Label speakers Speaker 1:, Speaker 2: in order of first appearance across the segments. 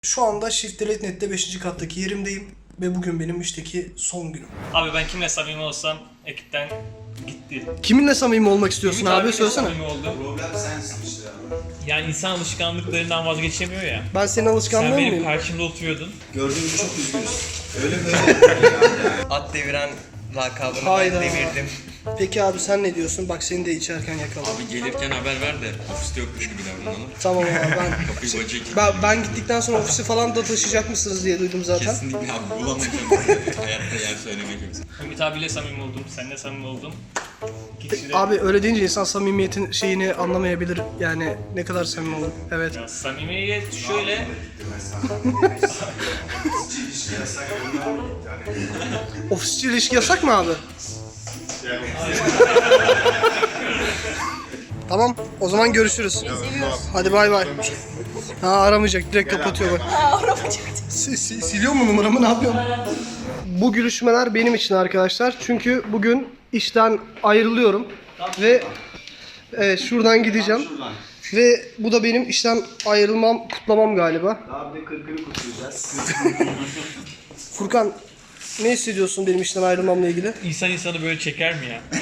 Speaker 1: Şu anda Shift Delete Net'te 5. kattaki yerimdeyim ve bugün benim işteki son günüm.
Speaker 2: Abi ben kimle samimi olsam ekipten gitti.
Speaker 1: Kiminle samimi olmak istiyorsun
Speaker 2: Ümit
Speaker 1: abi?
Speaker 2: abiyle
Speaker 1: Söylesene.
Speaker 2: samimi oldum.
Speaker 3: Problem sensin işte abi.
Speaker 2: Yani insan alışkanlıklarından vazgeçemiyor ya.
Speaker 1: Ben senin
Speaker 2: Sen
Speaker 1: alışkanlığın
Speaker 2: benim
Speaker 1: mıyım?
Speaker 2: karşımda oturuyordun.
Speaker 3: Gördüğünüz çok üzgünüz. Öyle böyle yani.
Speaker 4: At deviren lakabını
Speaker 1: Hayda.
Speaker 4: ben devirdim.
Speaker 1: Peki abi sen ne diyorsun? Bak seni de içerken yakaladım.
Speaker 5: Abi gelirken haber ver de ofiste yokmuş gibi davranalım.
Speaker 1: Tamam abi ben...
Speaker 5: Kapıyı bacayı kilitleyelim.
Speaker 1: Ben gittikten sonra ofisi falan da taşıyacak mısınız diye duydum zaten.
Speaker 5: Kesinlikle abi bulamayacağım. Hayatta yer söylemek yok.
Speaker 2: Ümit abiyle samimi oldum, seninle samimi oldum. İki kişi de
Speaker 1: Abi öyle deyince insan samimiyetin şeyini anlamayabilir. Yani ne kadar samimi olur. Evet.
Speaker 2: ya, samimiyet şöyle.
Speaker 1: Ofisçi ilişki yasak mı abi? Tamam, o zaman görüşürüz. Hadi bay bay. Ha aramayacak, direkt kapatıyor bak. Siliyor mu numaramı, ne yapıyorsun? Bu gülüşmeler benim için arkadaşlar. Çünkü bugün işten ayrılıyorum. Ve şuradan gideceğim. Ve bu da benim işten ayrılmam, kutlamam galiba.
Speaker 3: Abi de 40'ını kutlayacağız.
Speaker 1: Furkan, ne hissediyorsun benim işten ayrılmamla ilgili?
Speaker 2: İnsan insanı böyle çeker mi ya?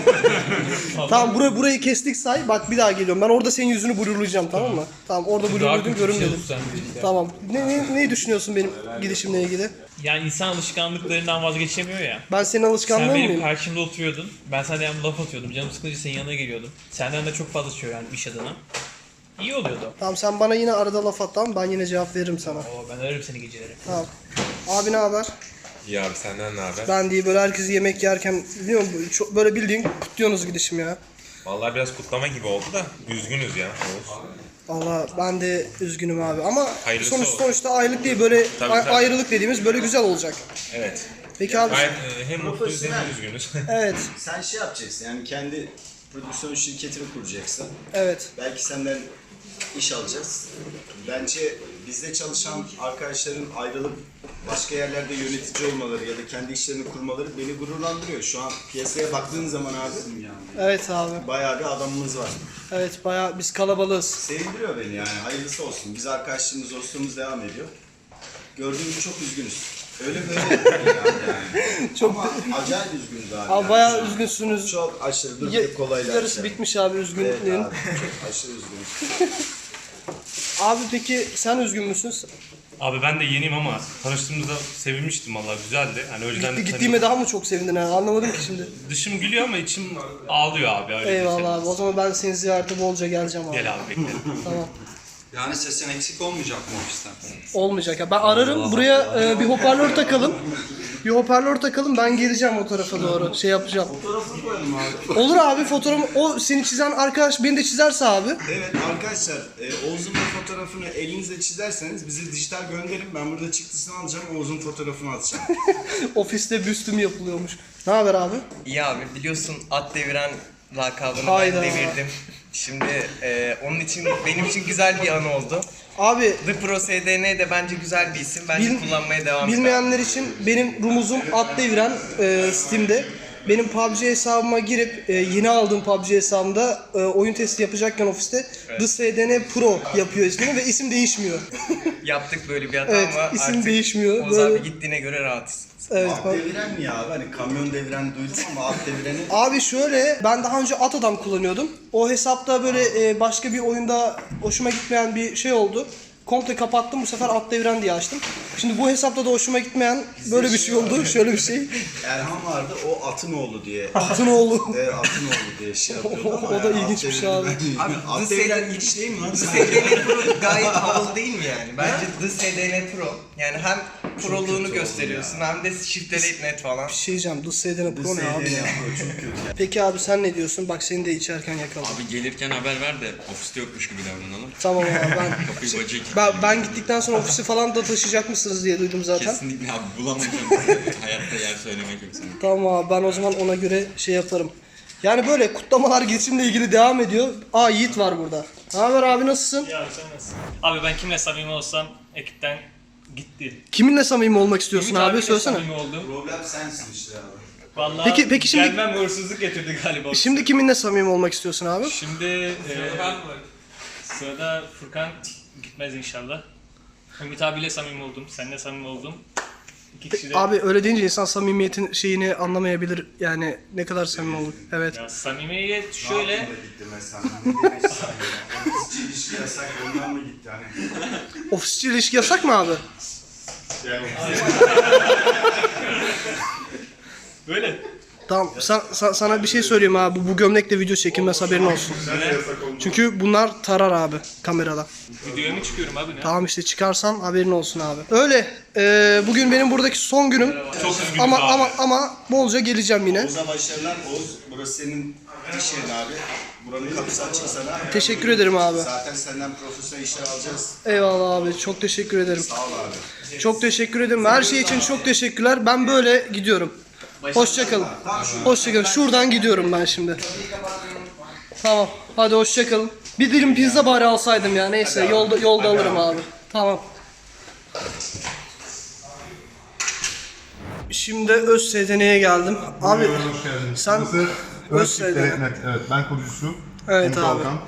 Speaker 1: Tamam burayı kestik say. Bak bir daha geliyorum. Ben orada senin yüzünü blurlayacağım, tamam mı? Tamam orada blurlaydın görünmedim. Tamam. Ne düşünüyorsun benim gidişimle ilgili?
Speaker 2: Yani insan alışkanlıklarından vazgeçemiyor ya.
Speaker 1: Ben senin
Speaker 2: Sen
Speaker 1: alışkanlığın
Speaker 2: benim
Speaker 1: mıyım?
Speaker 2: karşımda oturuyordun. Ben sana hem laf atıyordum. Canım sıkılınca senin yanına geliyordum. Senden de çok fazla şey öğrendim iş adına. İyi oluyordu.
Speaker 1: Tamam sen bana yine arada laf at, tamam, ben yine cevap veririm sana.
Speaker 2: Oo, ben ararım seni geceleri.
Speaker 1: Tamam. Abi ne haber?
Speaker 5: İyi abi senden ne haber?
Speaker 1: Ben değil, böyle herkes yemek yerken biliyor musun? Çok, böyle bildiğin kutluyorsunuz gidişim ya.
Speaker 6: Vallahi biraz kutlama gibi oldu da üzgünüz ya.
Speaker 1: Allah ben de üzgünüm abi ama
Speaker 6: Hayırlısı olsun.
Speaker 1: sonuçta aylık değil, böyle
Speaker 6: Tabii.
Speaker 1: ayrılık dediğimiz böyle güzel olacak.
Speaker 6: Evet.
Speaker 1: Peki abi
Speaker 6: Gayet hem mutluyuz hem üzgünüz.
Speaker 1: evet
Speaker 3: Sen şey yapacaksın yani kendi prodüksiyon şirketini kuracaksın.
Speaker 1: evet
Speaker 3: Belki senden iş alacağız. Bence bizde çalışan arkadaşların ayrılıp başka yerlerde yönetici olmaları ya da kendi işlerini kurmaları beni gururlandırıyor. Şu an piyasaya baktığın zaman abi
Speaker 1: evet abi
Speaker 3: bayağı bir adamımız var.
Speaker 1: evet bayağı biz kalabalığız.
Speaker 3: Sevindiriyor beni yani. Hayırlısı olsun. Biz arkadaşlığımız, dostluğumuz devam ediyor. Gördüğünüz çok üzgünüz. Öyle böyle yani.
Speaker 1: Çok
Speaker 3: Ama acayip üzgünüz abi.
Speaker 1: Abi
Speaker 3: yani.
Speaker 1: bayağı üzgünsünüz.
Speaker 3: Çok aşırı dur
Speaker 1: Ya-
Speaker 3: bir kolayla.
Speaker 1: yarısı bitmiş abi
Speaker 3: Evet
Speaker 1: üzgünlüğün.
Speaker 3: abi. Çok aşırı üzgünüz.
Speaker 1: Abi peki sen üzgün müsün?
Speaker 7: Abi ben de yeniyim ama tanıştığımızda sevinmiştim vallahi güzeldi. Hani önceden
Speaker 1: Gittiğime daha mı çok sevindin ha? Anlamadım ki şimdi.
Speaker 7: dışım gülüyor ama içim ağlıyor abi öyle
Speaker 1: Eyvallah abi. O zaman ben senin ziyarete bolca geleceğim abi.
Speaker 7: Gel abi beklerim.
Speaker 1: Tamam.
Speaker 5: Yani sesin eksik olmayacak mı ofisten?
Speaker 1: Olmayacak ya. Ben ararım. Buraya bir hoparlör takalım. Bir hoparlör takalım. Ben geleceğim o tarafa doğru. Şey yapacağım.
Speaker 3: Fotoğrafını koyalım abi.
Speaker 1: Olur abi fotoğrafı. O seni çizen arkadaş beni de çizerse abi.
Speaker 3: Evet arkadaşlar Oğuz'un bu fotoğrafını elinizle çizerseniz bize dijital gönderin. Ben burada çıktısını alacağım. Oğuz'un fotoğrafını atacağım.
Speaker 1: Ofiste büstüm yapılıyormuş. Ne haber abi?
Speaker 4: İyi abi biliyorsun at deviren lakabını
Speaker 1: Hayda.
Speaker 4: ben devirdim. Şimdi onun için benim için güzel bir an oldu.
Speaker 1: Abi
Speaker 4: The Pro SDN de bence güzel bir isim. Bence
Speaker 1: Bil-
Speaker 4: kullanmaya devam edelim.
Speaker 1: bilmeyenler için benim rumuzum at deviren Steam'de. Benim PUBG hesabıma girip yeni aldığım PUBG hesabımda oyun testi yapacakken ofiste The SDN Pro yapıyor ismini ve isim değişmiyor.
Speaker 4: Yaptık böyle bir hata
Speaker 1: Evet,
Speaker 4: ama
Speaker 1: isim
Speaker 4: artık
Speaker 1: değişmiyor.
Speaker 4: Oğuz
Speaker 1: Böyle-
Speaker 4: abi gittiğine göre rahatız.
Speaker 1: Evet.
Speaker 3: At deviren mi ya abi? Hani kamyon deviren duydum ama at devireni...
Speaker 1: Abi şöyle, ben daha önce At Adam kullanıyordum. O hesapta böyle başka bir oyunda hoşuma gitmeyen bir şey oldu. Komple kapattım, bu sefer At Deviren diye açtım. Şimdi bu hesapta da hoşuma gitmeyen böyle bir şey oldu, şöyle bir şey.
Speaker 3: Erhan vardı o atın oğlu diye.
Speaker 1: Atın oğlu.
Speaker 3: Atın oğlu diye şey yapıyordu ama
Speaker 1: O da
Speaker 3: yani
Speaker 1: ilginç bir
Speaker 3: at
Speaker 1: şey abi.
Speaker 3: deviren-
Speaker 4: Abi,
Speaker 3: At
Speaker 4: The
Speaker 3: deviren
Speaker 4: SDN
Speaker 3: hiç değil mi lan?
Speaker 4: The SDN Pro gayet havalı değil mi yani? Bence The SDN Pro. Yani hem proluğunu gösteriyorsun hem de Shift Delete Net falan.
Speaker 1: Bir şey diyeceğim, The SDN Pro ne abi
Speaker 3: SDN
Speaker 1: ya?
Speaker 3: Pro çok kötü.
Speaker 1: Peki abi sen ne diyorsun? Bak seni de içerken yakaladım.
Speaker 5: Abi gelirken haber ver de ofiste yokmuş gibi davranalım.
Speaker 1: Tamam abi
Speaker 5: Kapıyı bacayı kilitleyelim.
Speaker 1: ben gittikten sonra ofisi falan da taşıyacak mısınız diye duydum zaten.
Speaker 5: Kesinlikle abi bulamayacağım. Hayatta yer söylemek yok sana.
Speaker 1: Tamam abi ben o zaman ona göre şey yaparım. Yani böyle kutlamalar geçimle ilgili devam ediyor. Aa Yiğit var burada. Ne haber abi, nasılsın?
Speaker 2: Ya sen nasılsın? Abi ben kimle samimi olsam ekipten gitti.
Speaker 1: Kiminle samimi olmak istiyorsun
Speaker 2: Ümit
Speaker 1: abi?
Speaker 2: abiyle
Speaker 1: Söylesene.
Speaker 2: samimi oldum.
Speaker 3: Problem sensin işte abi.
Speaker 2: Vallahi
Speaker 1: Peki şimdi-
Speaker 2: gelmem uğursuzluk getirdi galiba.
Speaker 1: Şimdi kiminle samimi olmak istiyorsun abi?
Speaker 2: Şimdi sırada Furkan gitmez inşallah.
Speaker 8: Ümit abiyle samimi oldum, seninle samimi oldum. İki kişi de...
Speaker 1: Abi öyle deyince insan samimiyetin şeyini anlamayabilir. Yani ne kadar samimi olur. Evet.
Speaker 8: Ya samimiyet şöyle...
Speaker 3: gitti mesela. Ne demek samimi? Ofisçi ilişki yasak ondan mı gitti hani?
Speaker 1: Ofisçi ilişki yasak mı abi?
Speaker 3: Yani
Speaker 8: Böyle.
Speaker 1: Tamam sana bir şey söyleyeyim abi. Bu gömlekle video çekilmez, haberin olsun. Çünkü bunlar tarar abi kamerada.
Speaker 8: Videoya mı çıkıyorum abi ne?
Speaker 1: Tamam işte çıkarsan haberin olsun abi. Öyle. Bugün benim buradaki son günüm.
Speaker 7: Çok üzgünüz abi.
Speaker 1: Ama bolca geleceğim yine.
Speaker 3: Oğuz'a başarılar. Oğuz burası senin iş yerin abi. Buranın kapısı açık sana.
Speaker 1: Teşekkür ederim abi.
Speaker 3: Zaten senden profesyonel işler alacağız.
Speaker 1: Eyvallah abi. Çok teşekkür ederim.
Speaker 3: Sağ ol abi.
Speaker 1: Çok teşekkür ederim. Her şey için çok teşekkürler. Ben böyle gidiyorum. Hoşçakalın. Hoşçakalın. Şuradan gidiyorum ben şimdi. Tamam. Hadi hoşçakalın. Bir dilim pizza bari alsaydım ya. Neyse yolda alırım abi. Tamam. Şimdi ÖSSDN'ye geldim. Abi
Speaker 9: Hoş geldiniz.
Speaker 1: sen
Speaker 9: Burası
Speaker 1: ÖSSDN.
Speaker 9: Evet, evet ben kurucusu.
Speaker 1: Evet
Speaker 9: Umut
Speaker 1: abi.
Speaker 9: Alkan.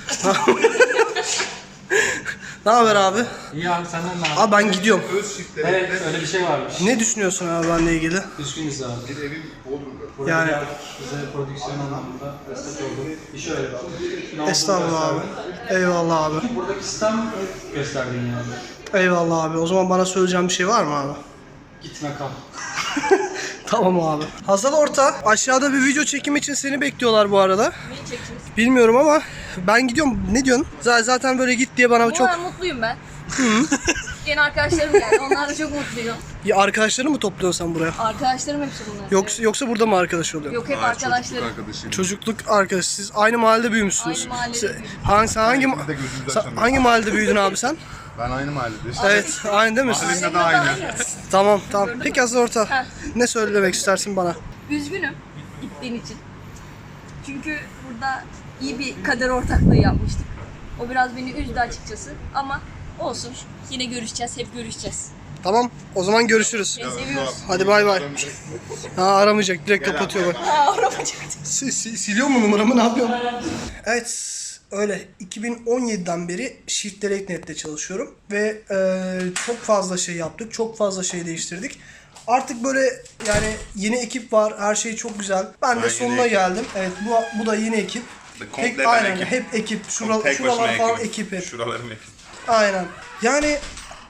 Speaker 1: Ne haber abi?
Speaker 10: İyi abi senden ne haber?
Speaker 1: Abi ben gidiyorum.
Speaker 10: Evet öyle bir şey varmış.
Speaker 1: Ne düşünüyorsun abi benimle ilgili?
Speaker 10: Üzgünüz abi.
Speaker 9: Bir evim Bodrum'da.
Speaker 1: Yani
Speaker 10: Bize prodüksiyon anlamında destek oldu. İş öyle abi.
Speaker 1: estağfurullah abi. Eyvallah abi.
Speaker 10: Buradaki sistem gösterdin yani.
Speaker 1: Eyvallah abi. O zaman bana söyleyeceğim bir şey var mı abi?
Speaker 10: Gitme kal.
Speaker 1: Tamam abi. Hazal Orta, aşağıda bir video çekimi için seni bekliyorlar bu arada.
Speaker 11: Neyi çekeceğiz?
Speaker 1: Bilmiyorum ama ben gidiyorum. Ne diyorsun? Zaten böyle git diye bana çok...
Speaker 11: Mutluyum ben. Yeni arkadaşlarım geldi. Onlarla çok mutluyum.
Speaker 1: Ya arkadaşları mı topluyorsun sen buraya?
Speaker 11: Arkadaşlarım hepsi bunlar.
Speaker 1: Yoksa burada mı arkadaş oluyorsun?
Speaker 11: Yok hep arkadaşlarım.
Speaker 1: Çocukluk arkadaş. Siz aynı mahallede büyümüşsünüz.
Speaker 11: Aynı mahallede
Speaker 1: Sen-
Speaker 11: büyüdük.
Speaker 1: hangi mahallede büyüdün abi sen?
Speaker 9: Ben aynı mahallede işte.
Speaker 1: Evet, aynı değil mi?
Speaker 11: Ailemle de
Speaker 9: aynı.
Speaker 1: Tamam. Peki Hazal Orta,
Speaker 11: Heh.
Speaker 1: ne söylemek istersin bana?
Speaker 11: Üzgünüm gittiğin için. Çünkü burada iyi bir kader ortaklığı yapmıştık. O biraz beni üzdü açıkçası ama olsun. Yine görüşeceğiz, hep görüşeceğiz.
Speaker 1: Tamam, o zaman görüşürüz.
Speaker 11: Seni seviyoruz.
Speaker 1: Hadi bay bay. Ha, aramayacak, direkt kapatıyor bak.
Speaker 11: Aramayacaktım.
Speaker 1: Siliyor mu numaramı, ne yapıyorum? Evet, öyle 2017'den beri Shift Direct Net'te çalışıyorum ve çok fazla şey yaptık, çok fazla şey değiştirdik. Artık böyle yani yeni ekip var, her şey çok güzel. Ben de sonuna geldim. Evet, bu da yeni ekip.
Speaker 5: Komple
Speaker 1: Aynen,
Speaker 5: ekip.
Speaker 1: hep ekip.
Speaker 5: Tek başıma
Speaker 1: Şuralar falan
Speaker 5: ekibim.
Speaker 1: ekip hep.
Speaker 5: Şuralarım ekip.
Speaker 1: Aynen. Yani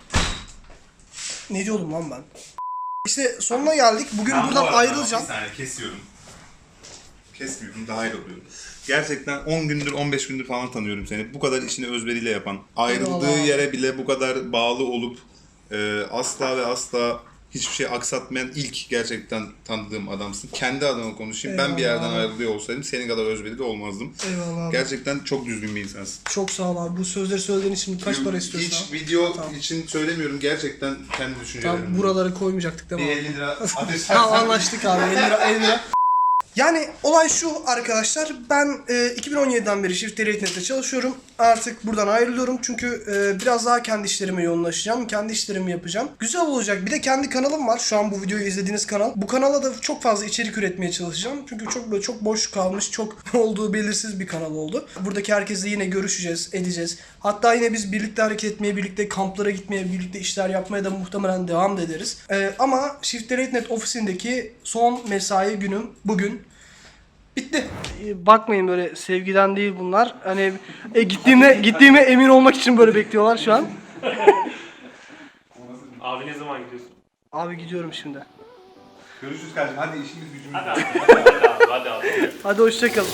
Speaker 1: ne diyordum lan ben? İşte sonuna geldik. Bugün
Speaker 5: Ben bu
Speaker 1: buradan
Speaker 5: arada
Speaker 1: ayrılacağım.
Speaker 5: Bir saniye kesiyorum. Kesmiyorum, daha ayrılıyorum. Gerçekten 10 gündür, 15 gündür falan tanıyorum seni. Bu kadar işini özveriyle yapan, ayrıldığı
Speaker 1: Eyvallah.
Speaker 5: yere bile bu kadar bağlı olup asla ve asla hiçbir şey aksatmayan ilk gerçekten tanıdığım adamsın. Kendi adıma konuşayım. Ben bir
Speaker 1: Eyvallah
Speaker 5: yerden
Speaker 1: abi.
Speaker 5: ayrılıyor olsaydım senin kadar özverili olmazdım.
Speaker 1: Eyvallah abi.
Speaker 5: Gerçekten çok düzgün bir insansın.
Speaker 1: Çok sağ ol abi. Bu sözleri söylediğin için kaç para istiyorsun
Speaker 5: Hiç
Speaker 1: abi?
Speaker 5: video için söylemiyorum. Gerçekten kendi düşüncelerim.
Speaker 1: Tam buraları koymayacaktık değil mi?
Speaker 5: Bir
Speaker 1: abi?
Speaker 5: 50 lira ateş
Speaker 1: Tamam anlaştık abi. 50 lira. Yani olay şu arkadaşlar, ben 2017'den beri Shift Direct Net'te çalışıyorum. Artık buradan ayrılıyorum çünkü biraz daha kendi işlerime yoğunlaşacağım. Kendi işlerimi yapacağım. Güzel olacak. Bir de kendi kanalım var. Şu an bu videoyu izlediğiniz kanal. Bu kanala da çok fazla içerik üretmeye çalışacağım. Çünkü çok boş kalmış, çok olduğu belirsiz bir kanal oldu. Buradaki herkesle yine görüşeceğiz, edeceğiz. Hatta yine biz birlikte hareket etmeye, birlikte kamplara gitmeye, birlikte işler yapmaya da muhtemelen devam ederiz. Ama Shift Direct Net ofisindeki son mesai günüm bugün. Bitti. Bakmayın, böyle sevgiden değil bunlar. Hani gittiğime emin olmak için böyle bekliyorlar şu an.
Speaker 7: Abi ne zaman gidiyorsun?
Speaker 1: Abi gidiyorum şimdi.
Speaker 9: Görüşürüz kardeşim. Hadi işimiz gücümüz.
Speaker 7: Hadi abi.
Speaker 1: Hadi hoşçakalın.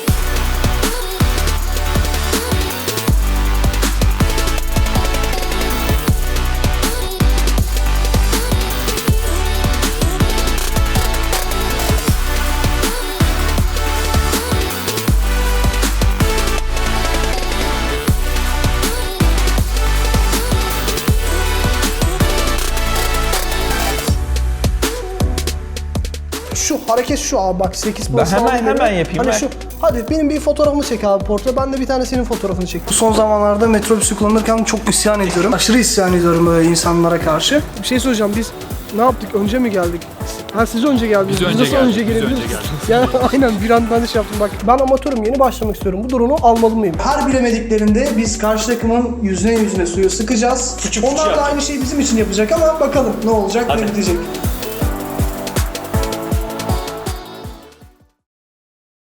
Speaker 1: Şu hareket şu abi, bak 8 plus hemen yapayım. Hani şu, hadi benim bir fotoğrafımı çek abi portre. Ben de bir tane senin fotoğrafını çek. Bu son zamanlarda metrobüsü kullanırken çok isyan ediyorum. Aşırı isyan ediyorum böyle insanlara karşı. Bir şey söyleyeceğim, biz ne yaptık? Önce mi geldik? Ha siz önce geldiniz. Biz nasıl önce gelebiliriz? Ya aynen bir anda şey yaptım bak. Ben amatörüm, yeni başlamak istiyorum. Bu drone'u almalı mıyım? Her bilemediklerinde biz karşı takımın yüzüne suyu sıkacağız. Onlar da aynı şeyi bizim için yapacak ama bakalım ne olacak, ne bitecek.